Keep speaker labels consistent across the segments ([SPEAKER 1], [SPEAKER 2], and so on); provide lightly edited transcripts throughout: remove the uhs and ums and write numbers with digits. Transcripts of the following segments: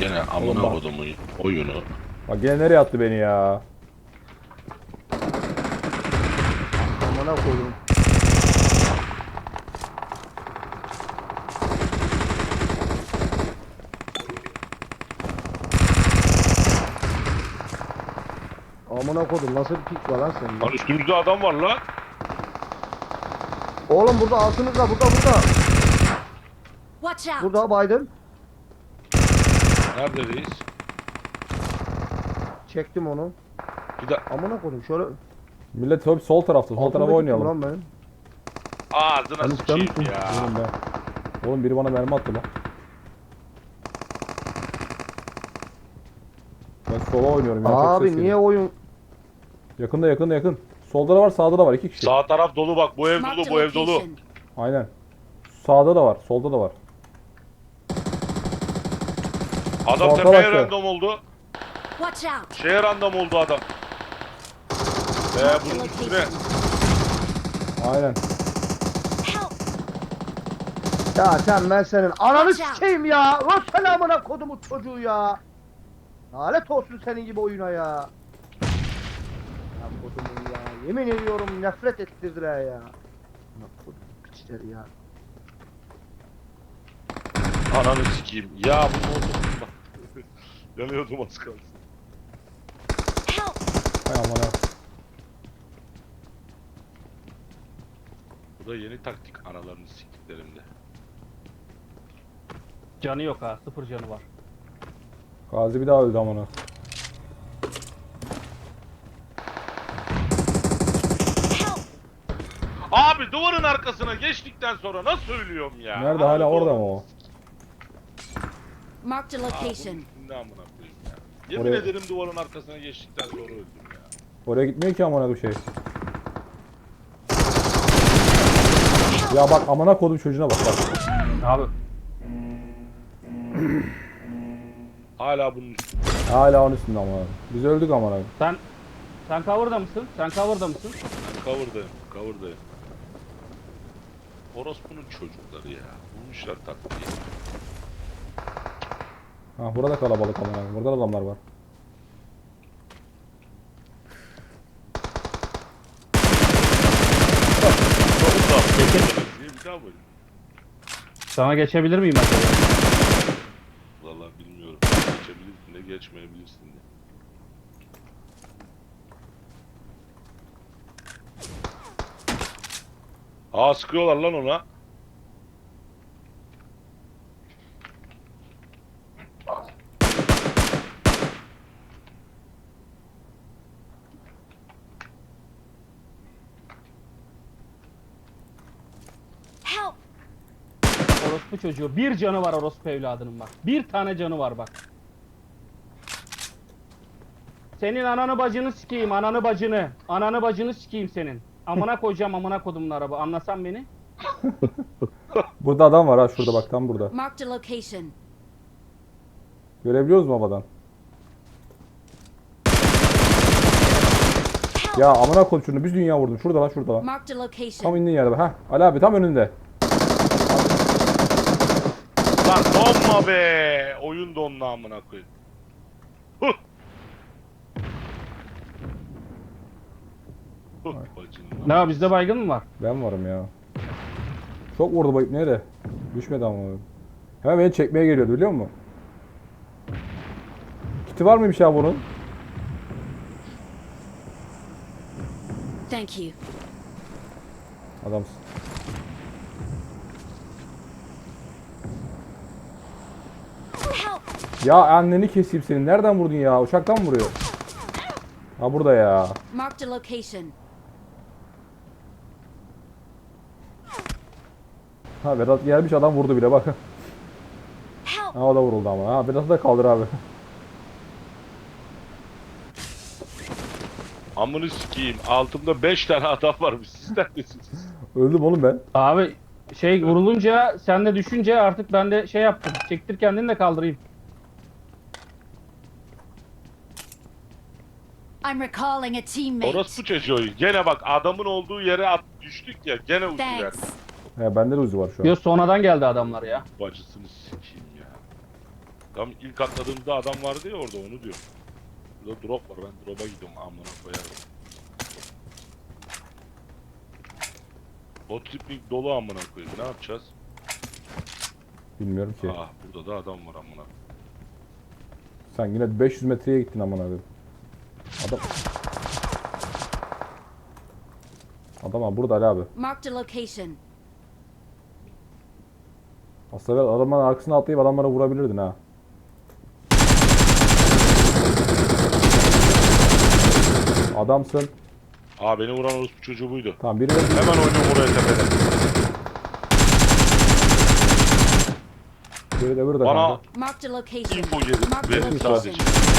[SPEAKER 1] Gene amına kodumun oyunu.
[SPEAKER 2] Bak gene nereye attı beni ya?
[SPEAKER 3] Amına koyayım. Amına koydum, nasıl bir pik var lan senin?
[SPEAKER 1] Lan üstümüzde adam var lan.
[SPEAKER 3] Oğlum burada altınızda, burada.
[SPEAKER 4] Watch out!
[SPEAKER 3] Burada Biden.
[SPEAKER 1] Neredeyiz?
[SPEAKER 3] Çektim onu.
[SPEAKER 1] Bir de
[SPEAKER 3] Amına koydum şöyle.
[SPEAKER 2] Millet hep sol tarafta. Sol tarafa
[SPEAKER 3] Altındaki kim
[SPEAKER 2] oynayalım.
[SPEAKER 3] Lan benim.
[SPEAKER 1] ağzına
[SPEAKER 3] Ben
[SPEAKER 1] sıçayım
[SPEAKER 3] istemiştim.
[SPEAKER 1] ya.
[SPEAKER 2] Oğlum be. Oğlum biri bana mermi attı lan. Ben sola oynuyorum ya. çok
[SPEAKER 3] Abi
[SPEAKER 2] ses
[SPEAKER 3] niye
[SPEAKER 2] geliyor.
[SPEAKER 3] oyun?
[SPEAKER 2] Yakın. Solda da var, sağda da var. 2 kişi.
[SPEAKER 1] Sağ taraf dolu bak. Bu ev
[SPEAKER 4] Marked
[SPEAKER 1] dolu,
[SPEAKER 4] a
[SPEAKER 1] bu ev dolu.
[SPEAKER 4] location.
[SPEAKER 2] Aynen. Sağda da var, solda da var.
[SPEAKER 1] Adam
[SPEAKER 2] Orta
[SPEAKER 1] tepeye
[SPEAKER 2] baktı.
[SPEAKER 1] random oldu.
[SPEAKER 4] Watch out!
[SPEAKER 1] Şeye random oldu adam.
[SPEAKER 4] Marked a
[SPEAKER 1] Bunun üstüne.
[SPEAKER 4] location.
[SPEAKER 2] Aynen.
[SPEAKER 4] Help!
[SPEAKER 3] Ya sen ben senin ananı
[SPEAKER 4] Watch out.
[SPEAKER 3] sikeyim ya. Lan sen amına kodumun çocuğu ya. Lanet olsun senin gibi oyuna ya. Ya kodumun ya. Yemin ediyorum nefret ettirdiler ya. Amına kodum piçleri ya.
[SPEAKER 1] Ananı sikeyim. Ya bu oldu. Yanıyordum az kalsın.
[SPEAKER 4] Help!
[SPEAKER 2] Hay aman ha.
[SPEAKER 1] Bu da yeni taktik analarını siktiklerimde.
[SPEAKER 5] Canı yok ha. 0 canı var.
[SPEAKER 2] Gazi bir daha öldü aman ha.
[SPEAKER 4] Help!
[SPEAKER 1] Abi duvarın arkasına geçtikten sonra nasıl ölüyorum ya?
[SPEAKER 2] Nerede, hala
[SPEAKER 1] Abi,
[SPEAKER 2] orada mı o?
[SPEAKER 4] Marked a
[SPEAKER 1] Aa,
[SPEAKER 4] location.
[SPEAKER 1] bunun üstünde amına koyayım ya. Yemin
[SPEAKER 2] Oraya-
[SPEAKER 1] ederim duvarın arkasına geçtikten sonra öldüm ya.
[SPEAKER 2] Oraya gitmiyor ki amına bir şey. Ya bak amına kodum çocuğuna bak.
[SPEAKER 5] Abi
[SPEAKER 1] Hala bunun üstünde.
[SPEAKER 2] Hala onun üstünde amına. Biz öldük amına.
[SPEAKER 5] sen cover'da mısın? Sen cover'da mısın?
[SPEAKER 1] Ben cover'dayım. Orospu'nun çocukları ya. Bulmuşlar taktiği.
[SPEAKER 2] Ha burada kalabalık amına. Burada da adamlar var.
[SPEAKER 1] Bir daha mı?
[SPEAKER 5] Sana geçebilir miyim acaba?
[SPEAKER 1] Vallahi bilmiyorum. Geçebilirsin de geçmeyebilirsin de. Aa sıkıyorlar lan ona.
[SPEAKER 4] Help!
[SPEAKER 5] Orospu çocuğu. Bir canı var orospu evladının bak. Bir tane canı var bak. Senin ananı bacını sikeyim, ananı bacını. Ananı bacını sikeyim senin. Amına koyacağım amına kodumun araba. Anlasan beni.
[SPEAKER 2] Burada adam var ha şurada bak tam burada.
[SPEAKER 4] Marked a location.
[SPEAKER 2] Görebiliyoruz mu havadan? Ya amına koyayım şunu biz dünya vurdum. Şurada lan şurada lan.
[SPEAKER 4] Marked a
[SPEAKER 2] Tam
[SPEAKER 4] location.
[SPEAKER 2] indiğin yerde bak. Ha Ali abi tam önünde.
[SPEAKER 1] Lan donma be. Oyun donla amına koyayım. Huh. Huh, bacın
[SPEAKER 5] Ne
[SPEAKER 1] lan.
[SPEAKER 5] var, bizde baygın mı var?
[SPEAKER 2] Ben varım ya. Çok vurdu bayıp nerede? Düşmedi ama. Hemen beni çekmeye geliyordu biliyor musun? Kiti var mıymış ya bunun?
[SPEAKER 4] Thank you.
[SPEAKER 2] Adamsın.
[SPEAKER 4] Help!
[SPEAKER 2] Ya anneni keseyim senin. Nereden vurdun ya? Uçaktan mı vuruyor? Ha burada ya.
[SPEAKER 4] Marked a location.
[SPEAKER 2] Ha Vedat gelmiş adam vurdu bile bak.
[SPEAKER 4] Help!
[SPEAKER 2] Ha o da vuruldu ama. Ha Vedat'ı da kaldır abi.
[SPEAKER 1] Amını sikeyim. Altımda 5 tane adam varmış. Siz neredesiniz?
[SPEAKER 2] Öldüm oğlum ben.
[SPEAKER 5] Abi şey vurulunca sen de düşünce artık ben de şey yaptım. Çektir kendini de kaldırayım.
[SPEAKER 4] I'm recalling a teammate.
[SPEAKER 1] Orospu çocuğu. Gene bak adamın olduğu yere düştük ya. Gene uçtular.
[SPEAKER 4] Thanks.
[SPEAKER 2] He bende de uzi var şu an.
[SPEAKER 5] Yo sonradan geldi adamlar ya.
[SPEAKER 1] Bacısını sikeyim ya. Tam ilk atladığımızda adam vardı ya orada, onu diyor. Burada drop var, ben drop'a gidiyorum, amına koyarım. Bot triplik dolu amına koyayım, ne yapacağız?
[SPEAKER 2] Bilmiyorum ki.
[SPEAKER 1] Ah, burada da adam var amına.
[SPEAKER 2] Sen yine 500 metreye gittin aman abi. Adam. Adam abi burada Ali abi.
[SPEAKER 4] Marked a location.
[SPEAKER 2] Aslında adamların arkasına atlayıp adamlara vurabilirdin ha. Adamsın.
[SPEAKER 1] Aa, beni vuran orospu çocuğu buydu.
[SPEAKER 2] Tamam biri de
[SPEAKER 1] Hemen oynuyorum oraya tepede.
[SPEAKER 2] burada
[SPEAKER 1] Bana
[SPEAKER 2] kanka.
[SPEAKER 4] Marked a location.
[SPEAKER 1] info gelin,
[SPEAKER 4] Marked a
[SPEAKER 1] verin
[SPEAKER 4] location.
[SPEAKER 1] sadece.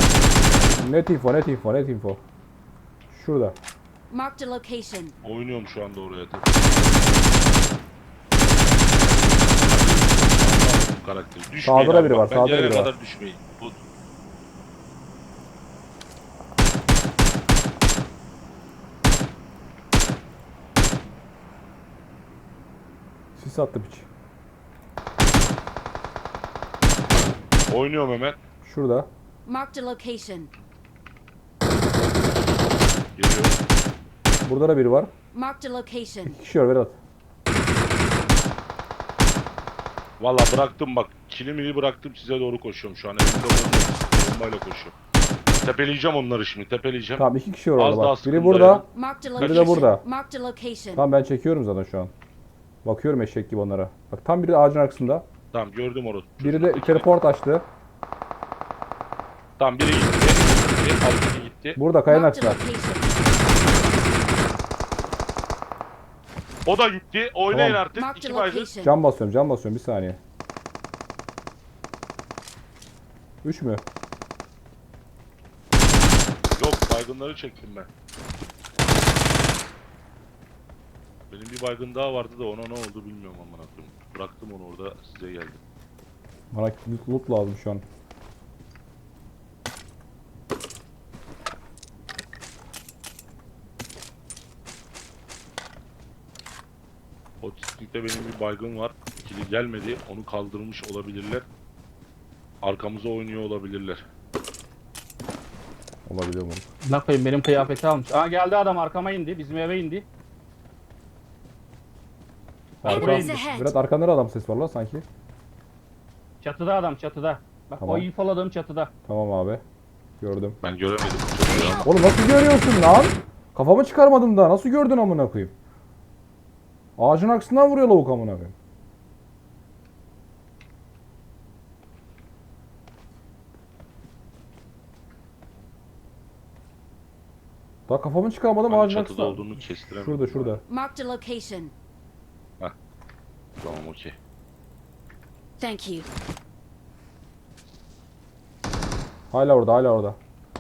[SPEAKER 2] Net info. Şurada.
[SPEAKER 4] Marked a location.
[SPEAKER 1] Oynuyorum şu anda oraya tepede. Bu karakteri. Düşmeyin
[SPEAKER 2] Sağda da
[SPEAKER 1] abi,
[SPEAKER 2] biri
[SPEAKER 1] bak,
[SPEAKER 2] var,
[SPEAKER 1] ben
[SPEAKER 2] sağda
[SPEAKER 1] gelene
[SPEAKER 2] biri var.
[SPEAKER 1] kadar düşmeyin. Bu-
[SPEAKER 2] Sis attı piç.
[SPEAKER 1] Oynuyorum hemen.
[SPEAKER 2] Şurada.
[SPEAKER 4] Marked a location.
[SPEAKER 1] Geliyorum.
[SPEAKER 2] Burada da biri var.
[SPEAKER 4] Marked a location.
[SPEAKER 2] 2 kişi var Vedat.
[SPEAKER 1] Valla bıraktım bak. Kilimini bıraktım, size doğru koşuyorum şu an. Elimde bombayla koşuyorum. Tepeleyeceğim onları şimdi, tepeleyeceğim.
[SPEAKER 2] Tamam 2 kişi var
[SPEAKER 1] Az
[SPEAKER 2] orada
[SPEAKER 1] daha
[SPEAKER 2] bak. Biri
[SPEAKER 1] sıkıntı
[SPEAKER 2] burada.
[SPEAKER 1] ya.
[SPEAKER 4] Marked a
[SPEAKER 2] Biri de
[SPEAKER 4] location.
[SPEAKER 2] burada.
[SPEAKER 4] Marked a location.
[SPEAKER 2] Tamam ben çekiyorum zaten şu an. Bakıyorum eşek gibi onlara. Bak tam biri ağacın arkasında.
[SPEAKER 1] Tamam, gördüm orası.
[SPEAKER 2] Biri de teleport açtı.
[SPEAKER 1] Tamam, biri gitti. Biri alttaki gitti.
[SPEAKER 2] Burada kayanın
[SPEAKER 4] Marked a
[SPEAKER 2] arkasında.
[SPEAKER 4] location.
[SPEAKER 1] O da gitti. Oynayın
[SPEAKER 2] Tamam.
[SPEAKER 1] artık.
[SPEAKER 4] Marked
[SPEAKER 1] İki
[SPEAKER 4] a
[SPEAKER 1] baygın.
[SPEAKER 4] location.
[SPEAKER 2] Cam basıyorum bir saniye. 3 mü?
[SPEAKER 1] Yok, baygınları çektim ben. Benim bir baygın daha vardı da ona ne oldu bilmiyorum amına koyayım. Bıraktım onu orada, size geldim.
[SPEAKER 2] Bana loot lazım şu an.
[SPEAKER 1] Otistikte benim bir baygın var. İkili gelmedi. Onu kaldırmış olabilirler. Arkamıza oynuyor olabilirler.
[SPEAKER 2] Olabilir mi?
[SPEAKER 5] Ne koyayım, benim kıyafeti almış. Aa, geldi adam, arkama indi. Bizim eve indi.
[SPEAKER 2] Arka,
[SPEAKER 4] Enemies ahead.
[SPEAKER 2] Berat arkanda da adam ses var lan sanki.
[SPEAKER 5] Çatıda adam, çatıda. Bak
[SPEAKER 2] Tamam.
[SPEAKER 5] o infoladığım çatıda.
[SPEAKER 2] Tamam abi. Gördüm.
[SPEAKER 1] Ben göremedim çocuğu ya.
[SPEAKER 2] Oğlum nasıl görüyorsun lan? Kafamı çıkarmadım daha. Nasıl gördün amına koyayım? Ağacın arkasından vuruyor lavuk amına koyayım. Daha kafamı çıkarmadım
[SPEAKER 1] Hani
[SPEAKER 2] ağacın
[SPEAKER 1] çatıda
[SPEAKER 2] arkasından.
[SPEAKER 1] olduğunu kestiremedim.
[SPEAKER 2] Şurada.
[SPEAKER 4] Marked a location.
[SPEAKER 1] Tamam, okey.
[SPEAKER 4] Thank you.
[SPEAKER 2] Hala orada.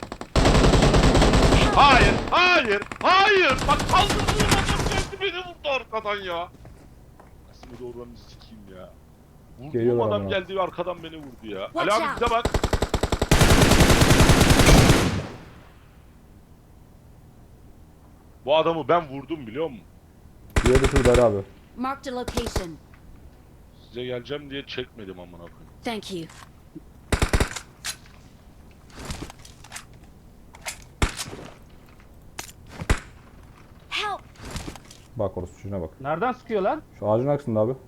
[SPEAKER 1] Hayır, hayır, hayır. Bak kaldırdığım adam geldi beni vurdu arkadan ya. Aslında doğrularını sikeyim ya. Vurduğum
[SPEAKER 2] Geliyorlar
[SPEAKER 1] adam
[SPEAKER 2] ama.
[SPEAKER 1] geldi arkadan beni vurdu ya.
[SPEAKER 4] Watch
[SPEAKER 1] Ali abi
[SPEAKER 4] out.
[SPEAKER 1] bize bak. Bu adamı ben vurdum biliyor musun?
[SPEAKER 2] Diğeri de şurada Ali abi.
[SPEAKER 4] Marked a location.
[SPEAKER 1] Size geleceğim diye çekmedim amına koyayım.
[SPEAKER 4] Thank you. Help!
[SPEAKER 2] Bak orası şuna bak.
[SPEAKER 5] Nereden sıkıyorlar?
[SPEAKER 2] Şu ağacın arkasında abi.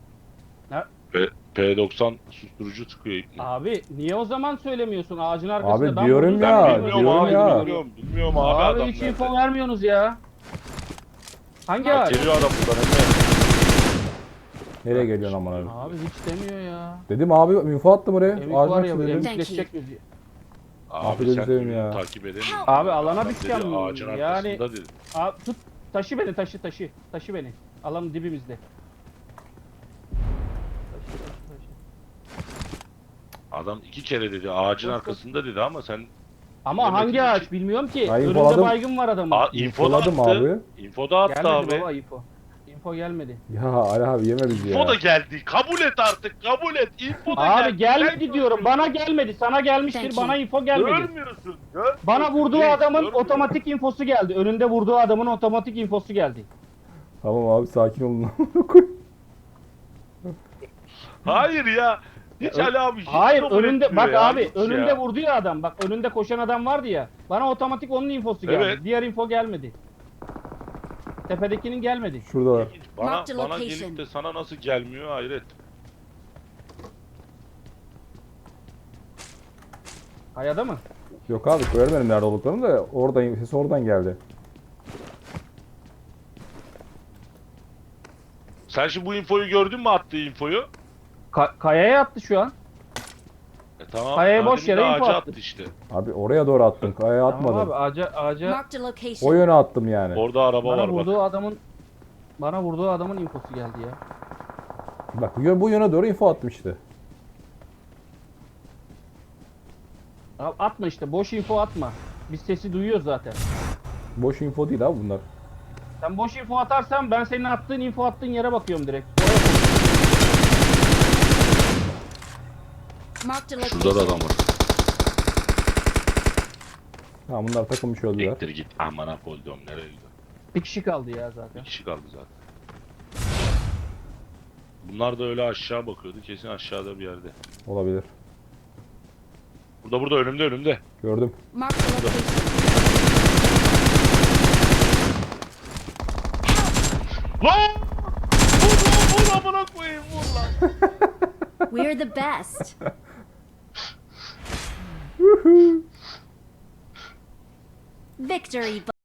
[SPEAKER 1] P90 susturucu sıkıyor ipni.
[SPEAKER 5] Abi niye o zaman söylemiyorsun ağacın arkasında?
[SPEAKER 2] Abi
[SPEAKER 5] Ben
[SPEAKER 2] diyorum
[SPEAKER 5] vurdum,
[SPEAKER 2] ya,
[SPEAKER 5] sen
[SPEAKER 1] Bilmiyorum
[SPEAKER 2] diyorum
[SPEAKER 1] abi,
[SPEAKER 2] ya.
[SPEAKER 1] bilmiyorum abi,
[SPEAKER 5] Abi
[SPEAKER 1] adam
[SPEAKER 5] hiç
[SPEAKER 1] nerede?
[SPEAKER 5] info vermiyorsunuz ya. Hangi
[SPEAKER 1] Ya
[SPEAKER 5] ağaç?
[SPEAKER 1] geliyor adam buradan Emre.
[SPEAKER 2] Nereye geliyorsun amına koyayım?
[SPEAKER 5] Abi hiç demiyor ya.
[SPEAKER 2] Dedim abi info attım oraya.
[SPEAKER 5] Emik
[SPEAKER 2] Ağacın
[SPEAKER 5] var ya,
[SPEAKER 2] arkasında dedim.
[SPEAKER 5] emikleşecek bizi.
[SPEAKER 1] Abi
[SPEAKER 2] gözünü
[SPEAKER 1] sen
[SPEAKER 2] seveyim
[SPEAKER 1] ürünü
[SPEAKER 2] ya.
[SPEAKER 1] takip edemiyorsun.
[SPEAKER 5] Abi alana
[SPEAKER 1] Adam
[SPEAKER 5] düşeceğim.
[SPEAKER 1] dedi, ağacın
[SPEAKER 5] Yani-
[SPEAKER 1] arkasında dedi.
[SPEAKER 5] Abi tut, taşı beni, taşı. Taşı beni. Alanın dibimizde. Taşı.
[SPEAKER 1] Adam 2 kere dedi ağacın
[SPEAKER 5] Yok,
[SPEAKER 1] arkasında dedi ama sen
[SPEAKER 5] Ama
[SPEAKER 1] Demek
[SPEAKER 5] hangi
[SPEAKER 1] ki-
[SPEAKER 5] ağaç bilmiyorum ki.
[SPEAKER 2] Ya
[SPEAKER 5] Önünde
[SPEAKER 2] infoladım.
[SPEAKER 5] baygın var adamın.
[SPEAKER 1] info da attı.
[SPEAKER 2] Infoladım abi.
[SPEAKER 1] Info da attı
[SPEAKER 5] Gelmedi
[SPEAKER 1] abi.
[SPEAKER 5] baba info. Info gelmedi.
[SPEAKER 2] Ya Ali abi yeme bizi ya.
[SPEAKER 1] Info da geldi. Kabul et artık. Kabul et. Info da geldi.
[SPEAKER 5] Abi gelmedi
[SPEAKER 1] Sen
[SPEAKER 5] diyorum. Bana gelmedi. Sana gelmiştir.
[SPEAKER 4] Thank you.
[SPEAKER 5] Bana info gelmedi.
[SPEAKER 1] görmüyorsun. Görmüyorsun.
[SPEAKER 5] Bana vurduğu
[SPEAKER 1] Reis,
[SPEAKER 5] adamın
[SPEAKER 1] görmüyorsun.
[SPEAKER 5] otomatik infosu geldi. Önünde vurduğu adamın otomatik infosu geldi.
[SPEAKER 2] Tamam abi sakin olun.
[SPEAKER 1] Hayır ya. Hiç Ali abi hiç
[SPEAKER 5] Hayır
[SPEAKER 1] kabul
[SPEAKER 5] önünde
[SPEAKER 1] etmiyor
[SPEAKER 5] bak
[SPEAKER 1] ya,
[SPEAKER 5] abi
[SPEAKER 1] hiç
[SPEAKER 5] önünde
[SPEAKER 1] ya.
[SPEAKER 5] vurdu ya adam. Bak önünde koşan adam vardı ya. Bana otomatik onun infosu geldi.
[SPEAKER 1] Evet.
[SPEAKER 5] Diğer info gelmedi. Tepedekinin gelmedi.
[SPEAKER 2] Şuradalar.
[SPEAKER 1] Bana,
[SPEAKER 4] Marked
[SPEAKER 1] bana
[SPEAKER 4] location.
[SPEAKER 1] gelip de sana nasıl gelmiyor hayret.
[SPEAKER 5] Kayada mı?
[SPEAKER 2] Yok abi görmedim nerede olduklarını da oradan ses oradan geldi.
[SPEAKER 1] Sen şimdi bu infoyu gördün mü, attığı infoyu?
[SPEAKER 5] Kayaya attı şu an.
[SPEAKER 1] Tamam.
[SPEAKER 5] Kayaya boş
[SPEAKER 1] demin de
[SPEAKER 5] yere info
[SPEAKER 1] ağaca
[SPEAKER 5] attı.
[SPEAKER 1] işte.
[SPEAKER 2] Abi oraya doğru attım. Kayaya
[SPEAKER 5] Tamam
[SPEAKER 2] atmadım.
[SPEAKER 5] abi ağaca
[SPEAKER 4] Marked a
[SPEAKER 2] O
[SPEAKER 4] location.
[SPEAKER 2] yöne attım yani.
[SPEAKER 1] Orada araba
[SPEAKER 5] bana
[SPEAKER 1] var bak.
[SPEAKER 5] vurduğu adamın infosu geldi ya.
[SPEAKER 2] Bak bu yöne doğru info attım işte.
[SPEAKER 5] Abi atma işte boş info atma. Biz sesi duyuyoruz zaten.
[SPEAKER 2] Boş info değil abi bunlar.
[SPEAKER 5] Sen boş info atarsan ben senin attığın info attığın yere bakıyorum direkt.
[SPEAKER 4] Marked a
[SPEAKER 1] Şurada da
[SPEAKER 4] location.
[SPEAKER 1] adam var.
[SPEAKER 2] Ha bunlar takılmış öldüler.
[SPEAKER 1] Ektir git. Amına koydum, nereye gidiyor?
[SPEAKER 5] Bir kişi kaldı ya zaten.
[SPEAKER 1] Bir kişi kaldı zaten. Bunlar da öyle aşağı bakıyordu. Kesin aşağıda bir yerde.
[SPEAKER 2] Olabilir.
[SPEAKER 1] Burada önümde.
[SPEAKER 2] Gördüm.
[SPEAKER 4] Marked a location.
[SPEAKER 1] Lan! Vur amına koyayım, vur lan.
[SPEAKER 4] We're the best. Victory.